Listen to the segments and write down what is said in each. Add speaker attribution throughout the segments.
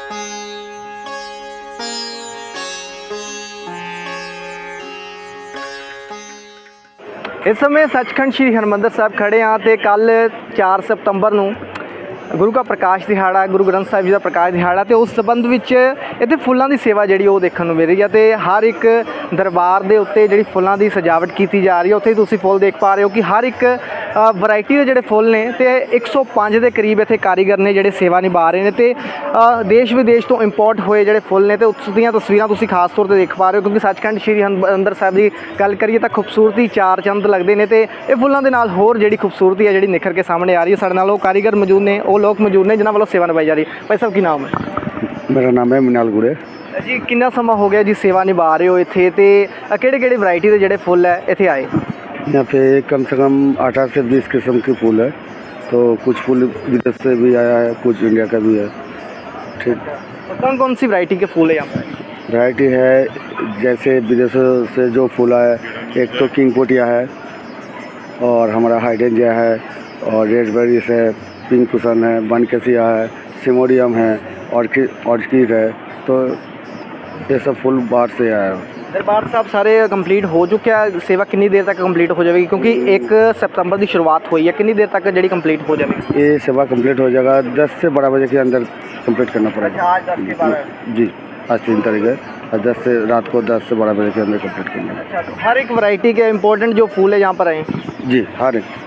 Speaker 1: इस समय सचखंड श्री हरमंदर साहब खड़े हाँ तो कल 4 सितंबर ਨੂੰ गुरु का प्रकाश दिहाड़ा गुरु ग्रंथ साहिब जी का प्रकाश दिहाड़ा तो उस संबंध ਵਿੱਚ ਇੱਥੇ ਫੁੱਲਾਂ ਦੀ ਸੇਵਾ ਜਿਹੜੀ ਉਹ ਦੇਖਣ ਨੂੰ ਮਿਲ ਰਹੀ ਹੈ ਤੇ ਹਰ ਇੱਕ ਦਰਬਾਰ ਦੇ ਉੱਤੇ ਜਿਹੜੀ ਫੁੱਲਾਂ ਦੀ ਸਜਾਵਟ ਕੀਤੀ ਜਾ ਰਹੀ ਹੈ ਉੱਥੇ ਤੁਸੀਂ ਫੁੱਲ ਦੇਖ ਪਾ ਰਹੇ ਹੋ ਕਿ ਹਰ ਇੱਕ ਵੈਰਾਈਟੀ ਦੇ ਜਿਹੜੇ ਫੁੱਲ ਨੇ ਤੇ 105 ਦੇ ਕਰੀਬ ਇੱਥੇ ਕਾਰੀਗਰ ਨੇ ਜਿਹੜੇ ਸੇਵਾ ਨਿਭਾ ਰਹੇ ਨੇ ਤੇ ਦੇਸ਼ ਵਿਦੇਸ਼ ਤੋਂ ਇੰਪੋਰਟ ਹੋਏ ਜਿਹੜੇ ਫੁੱਲ ਨੇ ਤੇ ਉਸ ਦੀਆਂ ਤਸਵੀਰਾਂ ਤੁਸੀਂ ਖਾਸ ਤੌਰ ਤੇ ਦੇਖ ਪਾ ਰਹੇ ਹੋ ਕਿਉਂਕਿ ਸੱਚਖੰਡ ਸ਼੍ਰੀ ਹਰਿਮੰਦਰ ਸਾਹਿਬ ਦੀ ਗੱਲ ਕਰੀਏ ਤਾਂ ਖੂਬਸੂਰਤੀ ਚਾਰ ਚੰਦ ਲੱਗਦੇ ਨੇ ਤੇ ਇਹ ਫੁੱਲਾਂ ਦੇ ਨਾਲ ਹੋਰ ਜਿਹੜੀ ਖੂਬਸੂਰਤੀ ਹੈ ਜਿਹੜੀ ਨਿਖਰ ਕੇ ਸਾਹਮਣੇ ਆ ਰਹੀ ਹੈ। ਸਾਡੇ ਨਾਲ ਉਹ ਕਾਰੀਗਰ ਮੌਜੂਦ ਨੇ ਉਹ ਲੋਕ ਮੌਜੂਦ ਨੇ ਜਿਨ੍ਹਾਂ ਵੱਲੋਂ ਸੇਵਾ ਨਿਭਾਈ ਜਾ ਰਹੀ ਹੈ। ਭਾਈ ਸਾਹਿਬ ਕੀ ਨਾਮ ਹੈ?
Speaker 2: मेरा नाम है मिनाल गुड़े
Speaker 1: जी। कितना समा हो गया जी सेवा निभा रहे हो इत्थे ते किहड़े वैरायटी के जिहड़े फुल है इत्थे आए?
Speaker 2: यहाँ पे कम से कम 18 से 20 किस्म के फूल है। तो कुछ फूल विदेश से भी आया है, कुछ इंडिया का भी है। ठीक।
Speaker 1: कौन कौन सी वैरायटी के फूल है यहाँ पर?
Speaker 2: वैरायटी है जैसे विदेशों से जो फूल आया है एक तो किंग पोटिया है और हमारा हाइडेंजिया है और रेडबेरीज है, पिंक कुशन है, बनकेसिया है, सिमोडियम है, ऑर्किड है। तो ये सब फूल बाहर से आया है।
Speaker 1: दरबार साहब सारे कंप्लीट हो चुके हैं। सेवा कितनी देर तक कंप्लीट हो जाएगी क्योंकि 1 सितंबर की शुरुआत हुई है, कितनी देर तक जी कंप्लीट हो जाएगी?
Speaker 2: ये सेवा कंप्लीट हो जाएगा 10 से 12 बजे के अंदर कंप्लीट करना पड़ेगा।
Speaker 1: आज 10 के 12
Speaker 2: जी आज 3 तारीख है और 10 से रात को 10 से 12 बजे के अंदर कंप्लीट करना है।
Speaker 1: अच्छा, तो हर एक वैरायटी के इम्पोर्टेंट जो फूल है यहाँ पर आए?
Speaker 2: जी हर एक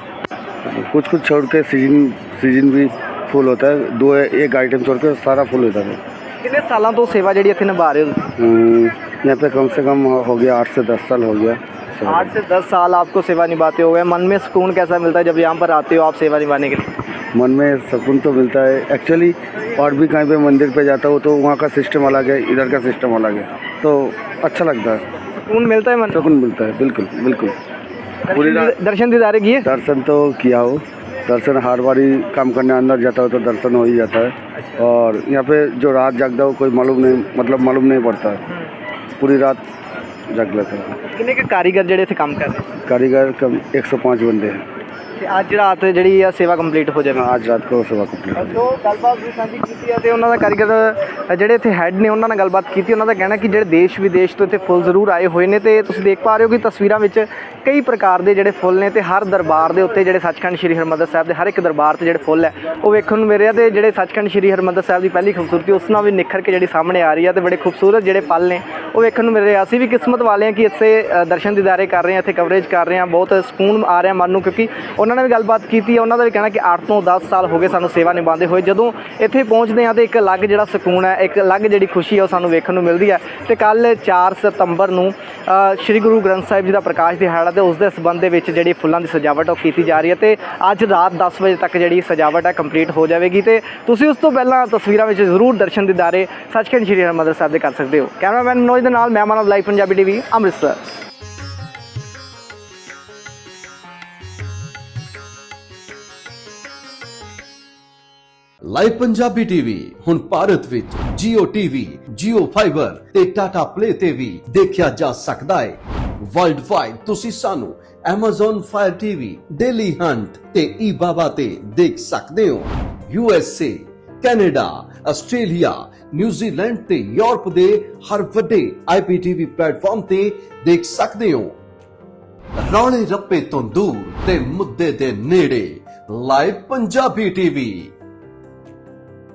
Speaker 2: कुछ छोड़ के सीजन भी फूल होता है। दो एक आइटम छोड़ के सारा फूल होता है।
Speaker 1: कितने सालों तो सेवा जी इतने निभा रहे हो?
Speaker 2: यहाँ पे कम से कम हो गया 8 से 10 साल हो गया।
Speaker 1: 8 से 10 साल आपको सेवा निभाते हो गए। मन में सुकून कैसा मिलता है जब यहाँ पर आते हो आप सेवा निभाने के लिए?
Speaker 2: मन में सुकून तो मिलता है एक्चुअली। और भी कहीं पे मंदिर पे जाता हूँ तो वहाँ का सिस्टम अलग है, इधर का सिस्टम अलग है, तो अच्छा लगता है,
Speaker 1: सुकून मिलता है। मन
Speaker 2: सुकून मिलता है। बिल्कुल बिल्कुल। पूरी
Speaker 1: दर्शन दीदारे किए?
Speaker 2: दर्शन तो किया हो। दर्शन हर बारी काम करने अंदर जाता हो तो दर्शन हो ही जाता है। और यहाँ पे जो रात जागता हो कोई मालूम नहीं पड़ता है। पूरी रात जाग लेता है।
Speaker 1: कितने के कारीगर ਜਿਹੜੇ ਇੱਥੇ ਕੰਮ ਕਰ ਰਹੇ?
Speaker 2: कारीगर कम 105 बंदे हैं।
Speaker 1: ਤੇ ਅੱਜ ਰਾਤ ਜਿਹੜੀ ਆ ਸੇਵਾ ਕੰਪਲੀਟ ਹੋ ਜਾਵੇ?
Speaker 2: आज रात को सेवा कंप्लीट।
Speaker 1: ਜੋ ਗੱਲਬਾਤ ਵੀ ਸਾਂਝੀ ਕੀਤੀ ਹੈ ਤੇ ਉਹਨਾਂ ਦਾ ਕਾਰੀਗਰ ਜਿਹੜੇ ਇੱਥੇ ਹੈੱਡ ਨੇ ਉਹਨਾਂ ਨਾਲ ਗੱਲਬਾਤ ਕੀਤੀ। ਉਹਨਾਂ ਦਾ ਕਹਿਣਾ ਕਿ ਜਿਹੜੇ ਦੇਸ਼ ਵਿਦੇਸ਼ ਤੋਂ ਇੱਥੇ ਫੁੱਲ ਜ਼ਰੂਰ ਆਏ ਹੋਏ ਨੇ ਤੇ ਤੁਸੀਂ ਦੇਖ ਪਾ ਰਹੇ ਹੋ ਕਿ ਤਸਵੀਰਾਂ ਵਿੱਚ ਕਈ ਪ੍ਰਕਾਰ ਦੇ ਜਿਹੜੇ ਫੁੱਲ ਨੇ ਤੇ ਹਰ ਦਰਬਾਰ ਦੇ ਉੱਤੇ ਜਿਹੜੇ ਸੱਚਖੰਡ ਸ਼੍ਰੀ ਹਰਿਮੰਦਰ ਸਾਹਿਬ ਦੇ ਹਰ ਇੱਕ ਦਰਬਾਰ ਤੇ ਜਿਹੜੇ ਫੁੱਲ ਹੈ ਉਹ ਵੇਖਣ ਨੂੰ ਮਿਲ ਰਿਹਾ ਤੇ ਜਿਹੜੇ ਸੱਚਖੰਡ ਸ਼੍ਰੀ ਹਰਿਮੰਦਰ ਸਾਹਿਬ ਦੀ ਪਹਿਲੀ ਖੂਬਸੂਰਤੀ ਉਸ ਨਾਲ ਵੀ ਨਿਖਰ ਕੇ ਜਿਹੜੀ ਸਾਹਮਣੇ ਆ ਰਹੀ ਹੈ ਤੇ ਬੜੇ ਖੂਬਸੂਰਤ ਜਿਹੜੇ ਪਲ ਨੇ ਉਹ ਵੇਖਣ ਨੂੰ ਮਿਲ ਰਹੇ। ਅਸੀਂ ਵੀ ਕਿਸਮਤ ਵਾਲੇ ਹਾਂ ਕਿ ਇੱਥੇ ਦਰਸ਼ਨ ਦੀਦਾਰੇ ਕਰ ਰਹੇ ਹਾਂ, ਇੱਥੇ ਕਵਰੇਜ ਕਰ ਰਹੇ ਹਾਂ, ਬਹੁਤ ਸਕੂਨ ਆ ਰਿਹਾ ਮਨ ਨੂੰ ਕਿਉਂਕਿ ਉਹਨਾਂ ਨੇ ਵੀ ਗੱਲਬਾਤ ਕੀਤੀ। ਉਹਨਾਂ ਦਾ ਵੀ ਕਹਿਣਾ ਕਿ 8 ਤੋਂ 10 ਸਾਲ ਹੋ ਗਏ ਸਾਨੂੰ ਸੇਵਾ ਨਿਭਾਉਂਦੇ ਹੋਏ। ਜਦੋਂ ਇੱਥੇ ਪਹੁੰਚਦੇ ਹਾਂ ਤਾਂ ਇੱਕ ਅਲੱਗ ਜਿਹੜਾ ਸਕੂਨ ਹੈ, ਇੱਕ ਅਲੱਗ ਜਿਹੜੀ ਖੁਸ਼ੀ ਹੈ ਉਹ ਸਾਨੂੰ ਵੇਖਣ ਨੂੰ ਮਿਲਦੀ ਹੈ। ਤੇ ਕੱਲ੍ਹ 4 ਸਤੰਬਰ ਨੂੰ ਸ਼੍ਰੀ ਗੁਰੂ ਗ੍ਰੰਥ ਸਾਹਿਬ ਜੀ ਦਾ ਪ੍ਰਕਾਸ਼ ਦਿਹਾੜਾ ਤੇ ਉਸ ਦੇ ਸੰਬੰਧ ਦੇ ਵਿੱਚ ਜਿਹੜੀ ਫੁੱਲਾਂ ਦੀ ਸਜਾਵਟ ਉਹ ਕੀਤੀ ਜਾ ਰਹੀ ਹੈ ਤੇ ਅੱਜ ਰਾਤ 10 ਵਜੇ ਤੱਕ ਜਿਹੜੀ ਸਜਾਵਟ ਹੈ ਕੰਪਲੀਟ ਹੋ ਜਾਵੇਗੀ ਤੇ ਤੁਸੀਂ ਉਸ ਤੋਂ ਪਹਿਲਾਂ ਤਸਵੀਰਾਂ ਵਿੱਚ ਜ਼ਰੂਰ ਦਰਸ਼ਨ ਦੀਦਾਰੇ ਸੱਚਖੰਡ ਸ਼੍ਰੀ ਹਰਿਮੰਦਰ ਸਾਹਿਬ ਦੇ ਕਰ ਸਕਦੇ ਹੋ। ਕੈਮਰਾਮੈਨ ਮਨੋਜ ਦੇ ਨਾਲ ਮੈਂ Manav, live Punjabi TV, Amritsar.
Speaker 3: Live Punjabi TV ਹੁਣ ਭਾਰਤ ਵਿੱਚ Jio TV, Jio Fiber ਤੇ Tata Play ਤੇ ਵੀ ਦੇਖਿਆ ਜਾ ਸਕਦਾ ਹੈ। ਵਰਲਡ ਵਾਈਡ ਤੁਸੀਂ ਸਾਨੂੰ Amazon Fire TV, Daily Hunt ਤੇ eBaba ਤੇ ਦੇਖ ਸਕਦੇ ਹੋ। USA, ਕੈਨੇਡਾ, ਆਸਟ੍ਰੇਲੀਆ, ਨਿਊਜ਼ੀਲੈਂਡ ਤੇ ਯੂਰਪ ਦੇ ਹਰ ਵੱਡੇ IPTV ਪਲੇਟਫਾਰਮ ਤੇ ਦੇਖ ਸਕਦੇ ਹੋ। ਰੌਲੇ ਰੱਪੇ ਤੋਂ ਦੂਰ ਤੇ ਮੁੱਦੇ ਦੇ ਨੇੜੇ ਲਾਈਵ ਪੰਜਾਬੀ ਟੀਵੀ।